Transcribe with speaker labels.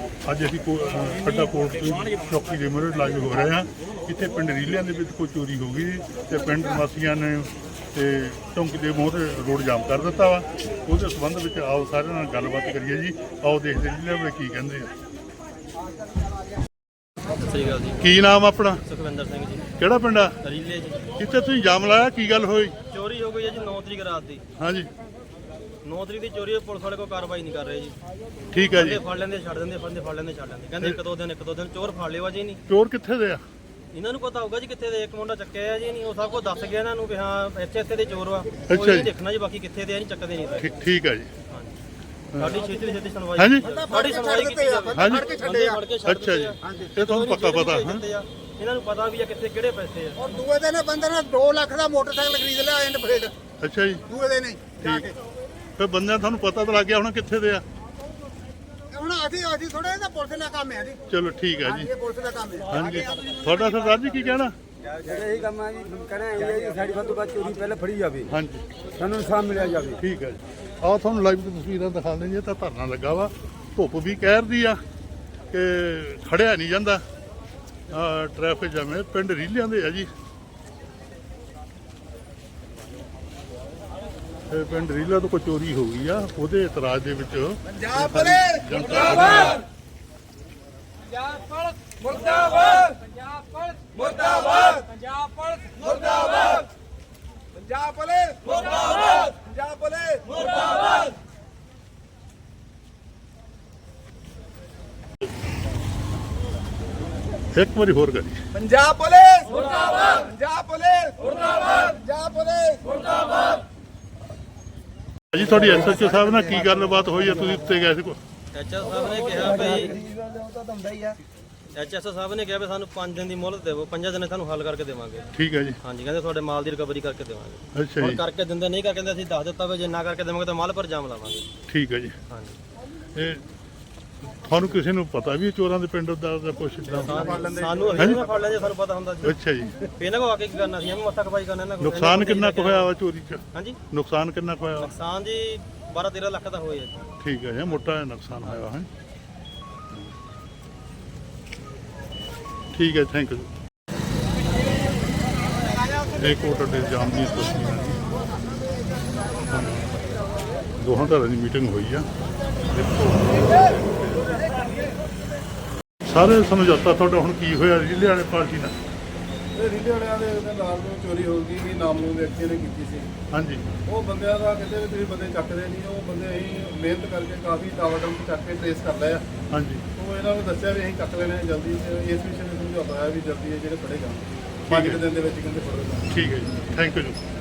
Speaker 1: ਅੱਜ ਅਸੀਂ ਖੱਡਾ ਕੋਟ ਚੌਕੀ ਦੇ ਮੂਹਰੇ ਲਾਈਵ ਹੋ ਰਹੇ ਹਾਂ। ਇੱਥੇ ਪਿੰਡ ਰੀਲਿਆਂ ਦੇ ਵਿੱਚ ਕੋਈ ਚੋਰੀ ਹੋ ਗਈ ਤੇ ਪਿੰਡ ਵਾਸੀਆਂ ਨੇ ਤੇ ਚੌਂਕੀ ਦੇ ਮੂਹਰੇ ਰੋਡ ਜਾਮ ਕਰ ਦਿੱਤਾ ਵਾ। ਉਹਦੇ ਸੰਬੰਧ ਵਿੱਚ ਆਓ ਸਾਰਿਆਂ ਨਾਲ ਗੱਲਬਾਤ ਕਰੀਏ ਜੀ। ਆਓ ਦੇਖਦੇ ਰੀਲਿਆਂ ਵਾਲੇ ਕੀ ਕਹਿੰਦੇ ਆ।
Speaker 2: ਸਹੀ ਗੱਲ ਜੀ।
Speaker 1: ਕੀ ਨਾਮ ਆਪਣਾ?
Speaker 2: ਸੁਖਵਿੰਦਰ ਸਿੰਘ ਜੀ।
Speaker 1: ਕਿਹੜਾ ਪਿੰਡ ਆ?
Speaker 2: ਰੀਲੇ ਜੀ।
Speaker 1: ਕਿੱਥੇ ਤੁਸੀਂ ਜਾਮ ਲਾਇਆ, ਕੀ ਗੱਲ ਹੋਈ?
Speaker 2: ਚੋਰੀ ਹੋ ਗਈ ਹੈ ਜੀ 9 ਤਰੀਕ ਰਾਤ ਦੀ।
Speaker 1: ਹਾਂਜੀ
Speaker 2: 9 ਤਰੀਕ ਦੀ ਚੋਰੀ ਹੈ, ਪੁਲਿਸ ਵਾਲੇ ਕੋਈ ਕਾਰਵਾਈ ਨਹੀਂ ਕਰ ਰਹੇ ਜੀ।
Speaker 1: ਠੀਕ ਹੈ ਜੀ।
Speaker 2: ਫੜ ਲੈਂਦੇ ਛੱਡ ਦਿੰਦੇ, ਫੜਦੇ ਫੜ ਲੈਂਦੇ ਛੱਡ ਦਿੰਦੇ, ਕਹਿੰਦੇ ਇੱਕ ਦੋ ਦਿਨ ਚੋਰ ਫੜ ਲਿਓ ਜੀ। ਨਹੀਂ
Speaker 1: ਚੋਰ ਕਿੱਥੇ ਦੇ ਆ?
Speaker 2: ਇਹਨਾਂ ਨੂੰ ਪਤਾ ਹੋਊਗਾ ਜੀ ਕਿੱਥੇ ਦੇ। ਇੱਕ ਮੁੰਡਾ ਚੱਕਿਆ ਆ ਜੀ, ਨਹੀਂ ਉਹ ਸਭ ਕੁਝ ਦੱਸ ਗਿਆ ਇਹਨਾਂ ਨੂੰ ਵੀ ਹਾਂ ਇੱਥੇ ਦੇ ਚੋਰ ਵਾ।
Speaker 1: ਅੱਛਾ
Speaker 2: ਕੋਈ ਨਹੀਂ
Speaker 1: ਜੀ।
Speaker 2: ਦੇਖਣਾ ਜੀ ਬਾਕੀ ਕਿੱਥੇ ਦੇ ਆ, ਨਹੀਂ ਚੱਕਦੇ ਨਹੀਂ।
Speaker 1: ਠੀਕ ਹੈ ਜੀ।
Speaker 2: ਸਾਡੀ ਛੇਤੀ ਸੁਣਵਾਈ।
Speaker 1: ਹਾਂਜੀ
Speaker 2: ਸਾਡੀ ਸੁਣਵਾਈ ਕੀਤੀ ਜਾਵੇ।
Speaker 1: ਹਾਂਜੀ ਅੱਛਾ ਜੀ। ਇਹ ਤੁਹਾਨੂੰ ਪੱਕਾ ਪਤਾ ਹੈ?
Speaker 2: ਇਹਨਾਂ ਨੂੰ ਪਤਾ ਵੀ ਆ ਕਿੱਥੇ ਕਿਹੜੇ ਪੈਸੇ ਆ।
Speaker 3: ਔਰ ਦੂਏ ਦਿਨ ਬੰਦੇ ਨੇ 2 ਲੱਖ ਦਾ ਮੋਟਰਸਾਈਕਲ ਖਰੀਦ ਲਿਆ ਐਂਡ ਫਰੇਡ।
Speaker 1: ਅੱਛਾ ਜੀ।
Speaker 3: ਦੂਏ ਦਿਨ ਹੀ ਜਾ ਕੇ
Speaker 1: ਫਿਰ ਬੰਦਿਆਂ ਤੁਹਾਨੂੰ ਪਤਾ ਤਾਂ ਲੱਗ ਗਿਆ ਹੁਣ ਕਿੱਥੇ ਦੇ ਆ?
Speaker 3: ਹੁਣ ਅਸੀਂ ਥੋੜੇ ਇਹਦਾ ਪੁਲਿਸ ਦਾ ਕੰਮ ਹੈ ਜੀ।
Speaker 1: ਚਲੋ ਠੀਕ ਹੈ ਜੀ।
Speaker 3: ਇਹ ਪੁਲਿਸ ਦਾ ਕੰਮ ਹੈ।
Speaker 1: ਹਾਂਜੀ ਤੁਹਾਡਾ ਸਰਦਾਰ ਜੀ ਕੀ ਕਹਿਣਾ?
Speaker 4: ਜਿਹੜਾ ਇਹ ਕੰਮ ਹੈ ਜੀ ਕਹਿਣਾ ਇਹ ਹੈ ਜੀ ਸਾਡੀ ਵੱਧ ਤੋਂ ਵੱਧ ਚੋਰੀ ਪਹਿਲਾਂ ਫੜੀ ਜਾਵੇ,
Speaker 1: ਹਾਂਜੀ
Speaker 4: ਸਾਨੂੰ ਇਨਸਾਫ ਮਿਲਿਆ ਜਾਵੇ।
Speaker 1: ਠੀਕ ਹੈ ਜੀ। ਆਓ ਤੁਹਾਨੂੰ ਲਾਈਵ ਤਸਵੀਰਾਂ ਦਿਖਾ ਦਿੰਦੇ ਜੀ। ਤਾਂ ਧਰਨਾ ਲੱਗਾ ਵਾ, ਧੁੱਪ ਵੀ ਕਹਿਰਦੀ ਆ ਕਿ ਖੜਿਆ ਨਹੀਂ ਜਾਂਦਾ। ਟ੍ਰੈਫਿਕ ਜਾਮ ਪਿੰਡ ਰੀਲਿਆਂ ਦੇ ਆ ਜੀ। ਪਿੰਡ ਰੀਲਾ ਤੋਂ ਕੋਈ ਚੋਰੀ ਹੋ ਗਈ ਆ, ਉਹਦੇ ਇਤਰਾਜ਼ ਦੇ ਵਿੱਚ
Speaker 3: ਪੰਜਾਬ ਪੁਲਿਸ ਮੁਰਦਾਬਾਦ, ਪੰਜਾਬ ਪੁਲਿਸ ਮੁਰਦਾਬਾਦ, ਪੰਜਾਬ ਪੁਲਿਸ ਮੁਰਦਾਬਾਦ, ਪੰਜਾਬ ਪੁਲਿਸ ਮੁਰਦਾਬਾਦ, ਪੰਜਾਬ ਪੁਲਿਸ ਮੁਰਦਾਬਾਦ, ਪੰਜਾਬ ਪੁਲਿਸ ਮੁਰਦਾਬਾਦ।
Speaker 1: ਇੱਕ ਵਾਰੀ ਹੋਰ ਕਰੀ।
Speaker 3: ਪੰਜਾਬ ਪੁਲਿਸ ਮੁਰਦਾਬਾਦ, ਪੰਜਾਬ ਪੁਲਿਸ ਮੁਰਦਾਬਾਦ, ਪੰਜਾਬ ਪੁਲਿਸ ਮੁਰਦਾਬਾਦ।
Speaker 1: ਜੀ ਤੁਹਾਡੀ ਐਸਐਚਓ ਸਾਹਿਬ ਨਾਲ ਕੀ ਗੱਲਬਾਤ ਹੋਈ ਆ? ਤੁਸੀਂ ਉੱਤੇ ਗਏ ਸੀ ਕੋ?
Speaker 2: ਐਚਐਸ ਸਾਹਿਬ ਨੇ ਕਿਹਾ ਵੀ ਐਚਐਸ ਸਾਹਿਬ ਨੇ ਕਿਹਾ ਵੀ ਸਾਨੂੰ 5 ਦਿਨ ਦੀ ਮੁਹਲਤ ਦੇਵੋ, 5 ਦਿਨ ਸਾਨੂੰ ਹੱਲ ਕਰਕੇ ਦੇਵਾਂਗੇ।
Speaker 1: ਠੀਕ ਹੈ ਜੀ।
Speaker 2: ਹਾਂਜੀ ਕਹਿੰਦੇ ਤੁਹਾਡੇ ਮਾਲ ਦੀ ਰਿਕਵਰੀ ਕਰਕੇ ਦੇਵਾਂਗੇ।
Speaker 1: ਅੱਛਾ
Speaker 2: ਹੁਣ
Speaker 1: ਜੀ।
Speaker 2: ਕਰਕੇ ਦਿੰਦੇ ਨਹੀਂ ਕਰਕੇ ਅਸੀਂ ਦੱਸ ਦਿੱਤਾ ਵੀ ਜੇ ਨਾ ਕਰਕੇ ਦੇਵਾਂਗੇ ਤਾਂ ਮਾਲ ਪਰ ਜਾਮ ਲਾਵਾਂਗੇ।
Speaker 1: ਠੀਕ ਹੈ ਜੀ।
Speaker 2: ਹਾਂਜੀ
Speaker 1: ਇਹ ਤੁਹਾਨੂੰ ਕਿਸੇ ਨੂੰ ਪਤਾ ਵੀ ਚੋਰਾਂ ਦੇ ਪਿੰਡ ਦਾ ਕੁਛ
Speaker 2: ਸਾਨੂੰ ਅਸੀਂ ਨਾ ਫੜ ਲੈਂਦੇ, ਸਾਨੂੰ ਪਤਾ ਹੁੰਦਾ ਜੀ।
Speaker 1: ਅੱਛਾ ਜੀ।
Speaker 2: ਇਹਨਾਂ ਕੋ ਆ ਕੇ ਕੀ ਕਰਨਾ ਸੀ, ਐਵੇਂ ਮੱਥਾ ਖਪਾਈ ਕਰਨਾ ਇਹਨਾਂ ਕੋਲ।
Speaker 1: ਨੁਕਸਾਨ ਕਿੰਨਾ ਕੁ ਹੋਇਆ ਵਾ ਚੋਰੀ 'ਚ?
Speaker 2: ਹਾਂਜੀ
Speaker 5: ਨੁਕਸਾਨ ਕਿੰਨਾ ਕੁ ਹੋਇਆ?
Speaker 2: ਨੁਕਸਾਨ ਜੀ 12-13 ਲੱਖ ਦਾ ਹੋਇਆ ਜੀ।
Speaker 5: ਠੀਕ ਹੈ ਜੀ, ਮੋਟਾ ਨੁਕਸਾਨ ਹੋਇਆ ਹੈ। ਠੀਕ ਹੈ, ਥੈਂਕ ਯੂ। ਇਹ ਕੋਟ ਅੱਡੇ ਜਾਮ ਦੀ ਤਸਵੀਰਾਂ ਨੇ। ਦੋਹਾਂ ਧਿਰਾਂ ਦੀ ਮੀਟਿੰਗ ਹੋਈ ਆ। ਸਾਰੇ ਸਮਝੌਤਾ ਤੁਹਾਡਾ ਹੁਣ ਕੀ ਹੋਇਆ ਰੀਲੇ ਵਾਲੇ ਪਾਰਟੀ ਨਾਲ?
Speaker 6: ਇਹ ਰੀਲੇ ਵਾਲਿਆਂ ਦੇ ਨਾਲ ਤੋਂ ਚੋਰੀ ਹੋ ਗਈ ਵੀ ਨਾਮਲੂਮ ਵਿਅਕਤੀ ਨੇ ਕੀਤੀ ਸੀ।
Speaker 5: ਹਾਂਜੀ।
Speaker 6: ਉਹ ਬੰਦਿਆਂ ਦਾ ਕਹਿੰਦੇ ਵੀ ਤੁਸੀਂ ਬੰਦੇ ਚੱਕਦੇ ਨਹੀਂ, ਉਹ ਬੰਦੇ ਅਸੀਂ ਮਿਹਨਤ ਕਰਕੇ ਕਾਫੀ ਟਾਵਰ ਚੱਕ ਕੇ ਟ੍ਰੇਸ ਕਰ ਲਿਆ।
Speaker 5: ਹਾਂਜੀ।
Speaker 6: ਉਹ ਇਹਨਾਂ ਨੂੰ ਦੱਸਿਆ ਵੀ ਅਸੀਂ ਚੱਕ ਲੈਣੇ ਜਲਦੀ, ਤੇ ਇਸ ਵਿਸ਼ੇ ਨੂੰ ਸਮਝਾਉਂਦਾ ਹੈ ਵੀ ਜਲਦੀ ਇਹ ਜਿਹੜੇ ਫੜੇ ਜਾਣ 5 ਦਿਨ ਦੇ ਵਿੱਚ ਕਹਿੰਦੇ ਫੜੋ ਜਾਣ।
Speaker 5: ਠੀਕ ਹੈ ਜੀ, ਥੈਂਕ ਯੂ ਜੀ।